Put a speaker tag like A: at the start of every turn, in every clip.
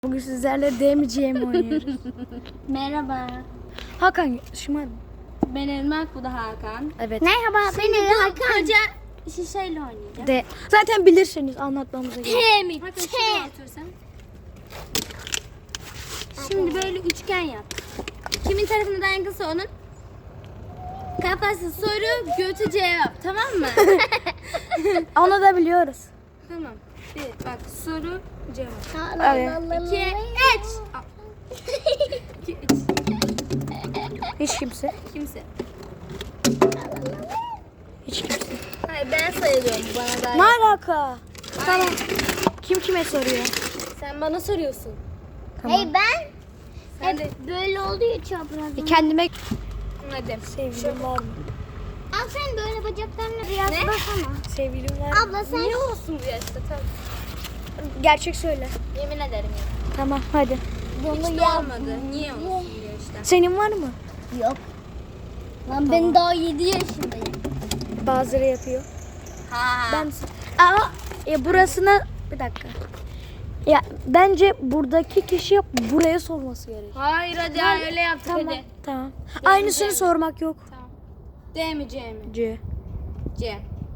A: Bugün sizlerle demeyeceğim oynuyoruz.
B: Merhaba.
A: Hakan şımarma.
B: Ben Irmak, bu da Hakan.
A: Evet.
C: Merhaba,
B: Şimdi
C: ben
B: bu
C: Hakan.
B: koca şişeyle oynayacağız.
A: De. Zaten bilirsiniz anlatmamıza gerek.
C: Kemik.
B: Hakan şuraya otursan. Şimdi böyle üçgen yap. Kimin tarafına dayankısa onun kafası soru, götü cevap. Tamam mı?
A: Onu da biliyoruz.
B: Tamam. Bir bak, soru cevap.
A: Evet.
B: 2 3 2 3
A: Hiç kimse.
B: Kimse.
A: Hiç kimse.
B: Hayır, ben sayıyorum, bana
A: Ne
B: da.
A: alaka? Tamam. Kim kime soruyor?
B: Sen bana soruyorsun.
A: Tamam.
C: Hey ben
B: Sen de
C: böyle oluyor çapraz.
A: Kendime
B: hadi.
A: sevgilim var mı?
C: Al sen böyle bacaklarını biraz
B: Ne?
C: basana.
A: Sevgilim var mı?
C: Abla sen
B: Niye olsun bu yaşta? Tabii.
A: Gerçek söyle.
B: Yemin ederim ya.
A: Tamam hadi.
B: Hiç de olmadı. Niye olsun bu yaşta?
A: Senin var mı?
C: yok. Lan ben daha 7 yaşındayım.
A: Bazıları yapıyor.
B: Ha.
A: Ben ama burasına bir dakika. Ya bence buradaki kişi buraya sorması gerek.
B: Hayır hadi öyle yaptık
A: Tamam.
B: hadi.
A: Tamam. Aynısını
B: Demeyeceğim.
A: sormak yok.
B: Tamam. D mi C mi?
A: C.
B: C.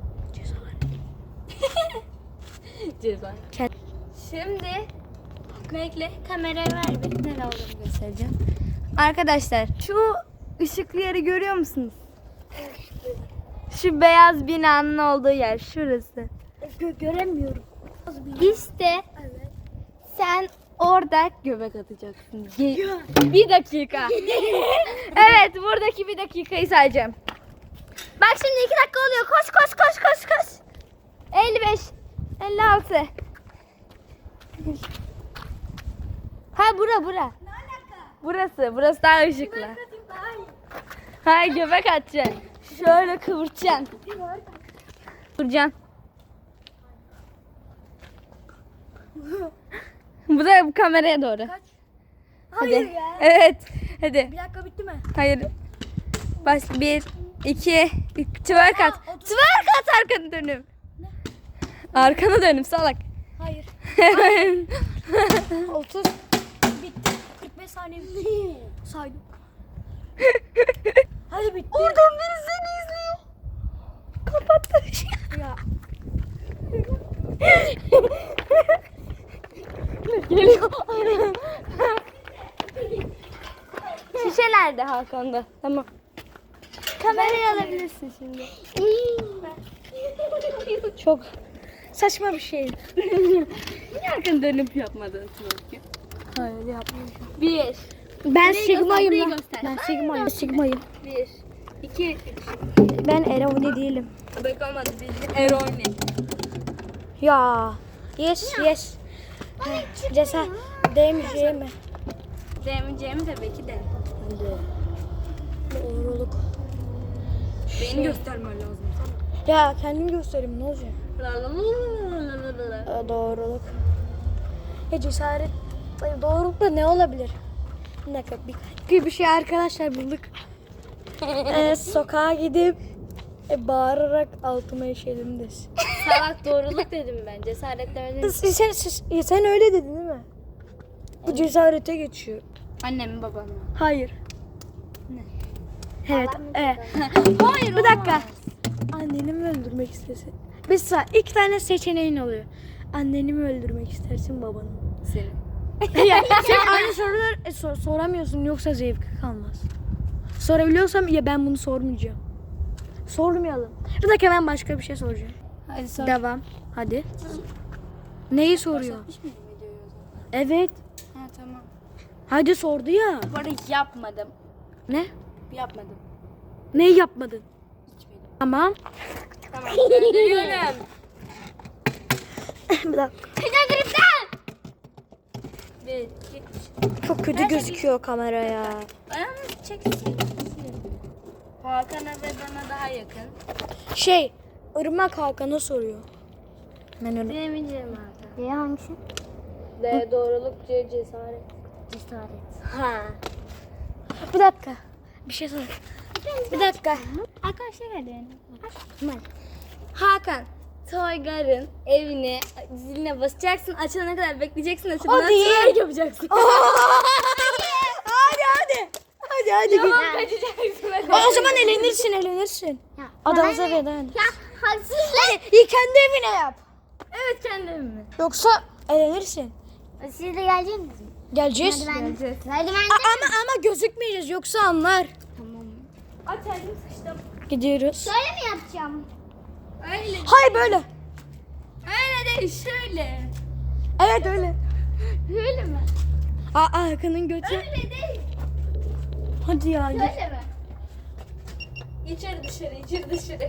B: Ceza.
A: Ket.
B: Şimdi bekle, kamerayı ver bir. Nerede olduğunu göstereceğim. Arkadaşlar şu ışıklı yeri görüyor musunuz? Şu beyaz binanın olduğu yer şurası.
A: Göremiyorum.
B: İşte sen orada göbek atacaksın. Bir dakika. Evet, buradaki bir dakikayı sayacağım. Bak şimdi 2 dakika oluyor. Koş koş koş koş koş. 55 56. Ha bura. Burası daha ışıklı. Hayır, göbek atacaksın. Şöyle kıvıracaksın. Kıvıracaksın. Bu da bu kameraya doğru.
A: Kaç?
B: Hadi.
A: Hayır ya.
B: Evet. Hadi.
A: Bir dakika bitti mi?
B: Hayır. Baş 1 2 3 twerk at. Twerk at, arkanı dönüp. Arkanı dönüp salak.
A: Hayır. 30 bitti. 45 saniye bitti. Saydım. Hadi bitti.
B: Oradan biri seni izliyor. Kapattı.
A: Ya
B: Geliyor. Şişelerde Hakan'da. Tamam. Kamerayı alabilirsin şimdi.
A: çok saçma bir şey.
B: Niye arkanı dönüp yapmadın çünkü?
A: Hayır yapmayacağım.
B: 1
A: Ben
B: Burayı
A: Sigma'yım
B: göster,
A: lan.
B: burayı göster.
A: Ben Sigma'yım. Sigma'yım.
B: 1 2
A: Ben Eroni değilim.
B: Bak olmadı, bildim. Eroni.
A: Ya. Yes. Cesaret demeyeceğim mi?
B: Demeyeceğimi tabii ki de.
A: Doğruluk.
B: Beni göstermen lazım.
A: Ya kendim göstereyim ne olacak?
B: Sana.
A: Doğruluk. Ya cesaret. Ay, doğruluk da ne olabilir? Bir dakika bir şey arkadaşlar bulduk. Sokağa gidip bağırarak altıma işedim desin.
B: Salak, doğruluk dedim ben. Cesaret demedim.
A: Sen öyle dedin değil mi? Bu cesarete geçiyor.
B: Annem mi babam mı?
A: Hayır.
B: Ne?
A: Evet.
B: Hayır,
A: Bir dakika. Anneni mi öldürmek istesin? İki tane seçeneğin oluyor. Anneni mi öldürmek istersin babanı mı?
B: Seni.
A: Ya, sen aynı soruları soramıyorsun yoksa zevki kalmaz. Sorabiliyorsam ya ben bunu sormayacağım. Sormayalım. Bir dakika ben başka bir şey soracağım.
B: Hadi sor.
A: Devam. Hadi. Neyi soruyor?
B: Başlatmış mıyım videoyu o zaman?
A: Evet.
B: Ha tamam.
A: Hadi sordu ya.
B: Bu arada yapmadım.
A: Ne?
B: Yapmadım.
A: Neyi yapmadın?
B: Hiçbiri.
A: Tamam.
B: Tamam. Gönderiyorum.
A: Bir dakika.
B: Bir, iki,
A: Çok kötü gözüküyor kamera ya.
B: ayağını çeksin. Hakan'a ve bana daha yakın.
A: Irmak Hakan'a soruyor. Ben öyle.
B: Demeyeceğim Hakan.
C: D hangisi?
B: D doğruluk, C cesaret.
C: Cesaret.
B: Ha.
A: Bir dakika. Bir şey sor. Bir dakika.
B: Arkadaşlar hadi yani.
A: Tamam.
B: Hakan, Toygar'ın evine ziline basacaksın. Açılana kadar bekleyeceksin. Açılana
A: Hadi.
B: twerk yapacaksın.
A: Hadi. Hadi.
B: Tamam kaçacaksın.
A: O zaman elenirsin.
C: Ya,
A: Adamıza
C: bana ne?
A: veda edin.
C: Ya haksızlık.
A: İyi kendi evine yap.
B: Evet kendi evime.
A: Yoksa elenirsin.
C: Siz de gelecek misiniz?
A: Geleceğiz.
C: Merdivende.
A: Ama gözükmeyeceğiz yoksa anlar.
C: Tamam.
B: Aç elimi sıçtım.
A: Gidiyoruz.
C: Böyle mi yapacağım?
B: Öyle.
A: Hayır böyle.
B: Öyle değil şöyle.
A: Evet öyle.
B: Öyle mi?
A: Hakan'ın götü.
B: Öyle değil.
A: Hadi ya.
B: Öyle mi? İçeri dışarı.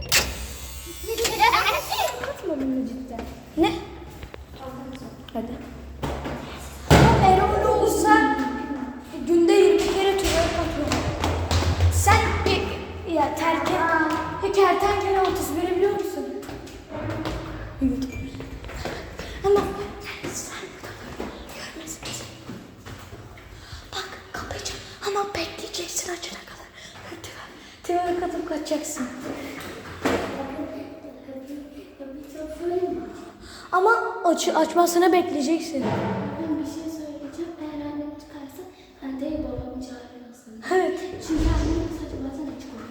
B: Atma bunu cidden.
A: Ne? Hadi. Eğer öyle olursa günde 20 kere tüyör atıyorum. Sen ya kertenkele 31'i biliyor musun? Evet. Ama sen burada görmesin. Bak kapayacağım ama bekleyeceksin açana kadar. Tüyör atıp kaçacaksın. Ama açmasını bekleyeceksin.
D: Ben bir şey söyleyeceğim. Eğer annem çıkarsa ben de babamı çağırırsın.
A: Evet.
D: Çünkü annemin saçı bazen açık olur.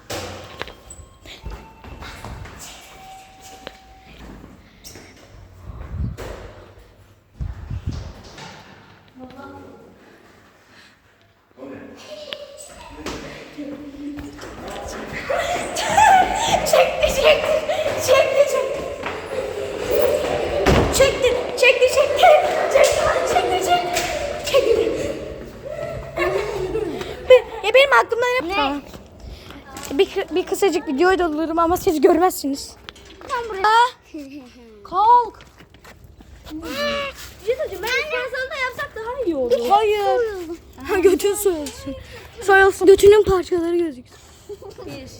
A: Ya benim aklımdan hep tamam. Bir kısacık videoyu da alırım ama siz görmezsiniz.
C: Tam buraya.
A: Kalk.
B: Bir şey söyleyeceğim. Ben sana da yapsak daha iyi olur.
A: Hayır. Götün soyulsun. Soyulsun. Götünün parçaları gözüksün.
B: 1, 2, 3.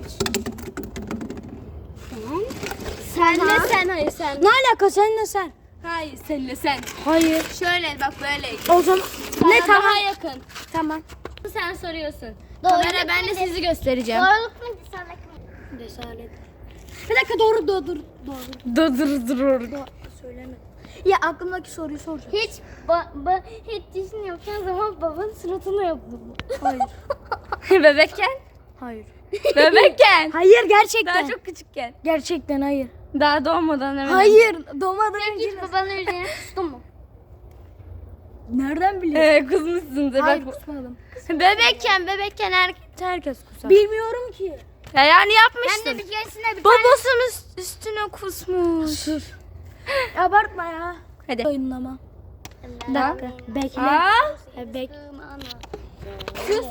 C: Sen
B: Hayır sen.
A: Ne alaka seninle sen?
B: Hayır senle sen.
A: Hayır.
B: Şöyle bak böyle.
A: O zaman ne
B: Bana
A: tamam.
B: Daha yakın.
A: Tamam.
B: Sen soruyorsun.
C: Doğru.
B: Kamera ben de sizi göstereceğim.
C: Doğruluk mu cesaret mi?
A: Cesaret. Bir dakika doğru.
B: Dur.
A: Söyleme. Ya aklımdaki soruyu soracağım.
C: Hiç düşünüyorken zaman babanın suratına yaptım.
A: Hayır.
B: Bebekken.
A: Hayır.
B: Bebekken.
A: Hayır gerçekten.
B: Daha çok küçükken.
A: Gerçekten hayır.
B: Daha doğmadan hemen.
A: Hayır. Doğmadan önce.
C: Hiç babanın üzerine kustun mu?
A: Nereden biliyorsun?
B: Kızmışsındır.
A: Hayır
B: Bak.
A: kusmadım.
B: Bebekken herkes kusar.
A: Bilmiyorum ki.
B: Ya yani
C: Ben
B: yapmıştın.
C: de bir keresinde bir
B: Babasının üstüne kusmuş.
A: Sus. Abartma ya.
B: Hadi.
A: Oyunlama. Bir
C: tane.
A: dakika. Bekle.
B: Aa,
A: Bek.
B: kız.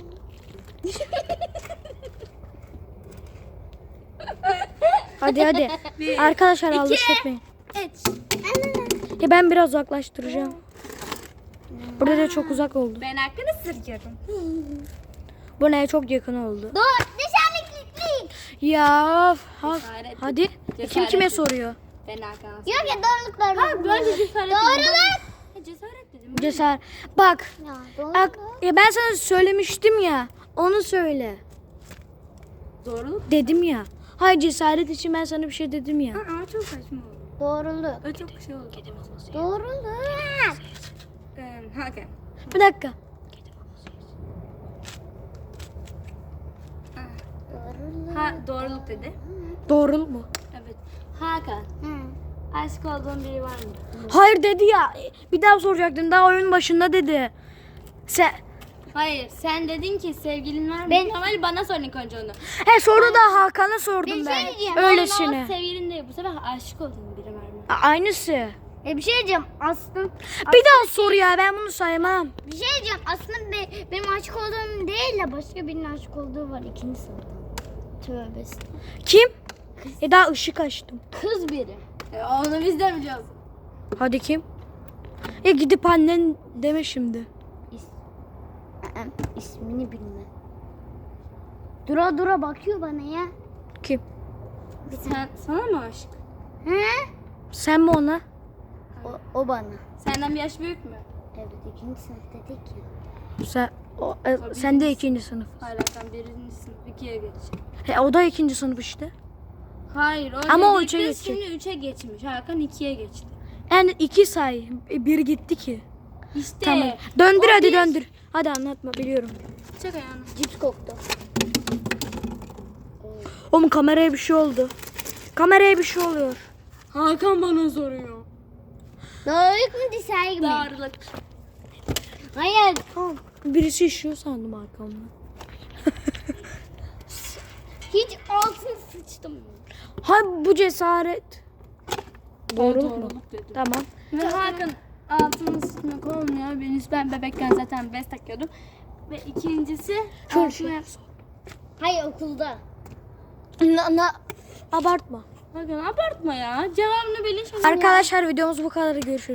A: Hadi. Arkadaşlar alış etmeyin. Ya ben biraz uzaklaştıracağım. Burada da çok uzak oldu.
B: Ben hakkını sırıyorum.
A: Bu neye çok yakın oldu.
C: Dur dışarılıklık.
A: Ya
B: Cesaret.
A: hadi.
B: Cesaret.
A: Kim kime soruyor?
B: Ben hakkını
C: Yok ya doğruluk.
B: Ha bence cesaret.
C: Doğruluk.
B: Cesaret dedim.
A: Cesaret. Bak.
C: Ya doğruluk.
A: Ya ben sana söylemiştim ya. Onu söyle.
B: Doğruluk.
A: Dedim ya. Hayır cesaret için ben sana bir şey dedim ya.
B: Ama çok saçma oldu.
C: Doğruluk.
B: O çok şey oldu.
C: Doğruluk.
B: Hakan.
A: Bir dakika.
B: Doğruluk dedi.
A: Doğru mu?
B: Evet. Hakan.
C: Hı.
B: Aşık olduğun biri var mı?
A: Hayır dedi ya. Bir daha soracaktın. Daha oyunun başında dedi. Sen
B: Hayır. Sen dedin ki sevgilin var mı?
C: Ben-
B: Normal bana sor ilk önce onu.
A: he soru da Hakan'a sordum
C: Bir şey
A: ben.
C: diyeceğim.
A: Öylesine.
B: Ama sevgilin değil. Bu sefer aşık olduğun biri var mı?
A: Aynısı.
C: Bir şey diyeceğim. Aslında
A: Bir daha sor ya ben bunu saymam.
C: bir şey diyeceğim. Aslında benim aşık olduğum değil de başka birinin aşık olduğu var ikinci sınıfta. Tövbe estağfurullah.
A: Kim? Daha ışık açtım.
C: Kız biri.
B: Onu biz de biliyoruz.
A: Hadi kim? Gidip annen deme şimdi.
C: İsmini bilme. Dura bakıyor bana ya.
A: Kim?
B: Sana mı aşık?
C: He?
A: Sen mi ona?
C: O bana.
B: Senden bir yaş büyük mü?
C: Evet ikinci sınıf dedik ya.
A: Sen de ikinci sınıf.
B: Hala sen birinci sınıf 2'ye geçeceksin.
A: O da ikinci sınıf işte.
B: Hayır.
A: Ama o
B: dedikte
A: üçe geçecek.
B: Şimdi 3'e geçmiş. Hakan 2'ye geçti.
A: Yani 2 say. Bir gitti ki.
B: İşte.
A: Tamam. Döndür
B: o
A: hadi
B: bir-
A: döndür. Hadi anlatma biliyorum.
B: Çek ayağını.
C: Cips koktu.
A: Oğlum kameraya bir şey oldu. Kameraya bir şey oluyor.
B: Hakan bana soruyor.
C: Doğruluk mu diser mi?
B: Darlık.
C: Hayır.
A: Tamam. Birisi işiyor sandım arkamdan.
C: Hiç altın sıçtım.
A: Ha bu cesaret. Doğruluk mu?
B: Doğruluk dedim.
A: Tamam.
B: Ve Hakan altını sıkmak olmuyor. Ben bebekken zaten bez takıyordum. Ve ikincisi
A: Şöyle
B: altına...
C: Hayır okulda.
A: Abartma.
B: Hakan abartma ya. Cevabını bilin şimdi.
A: Arkadaşlar videomuz bu kadar. Görüşürüz.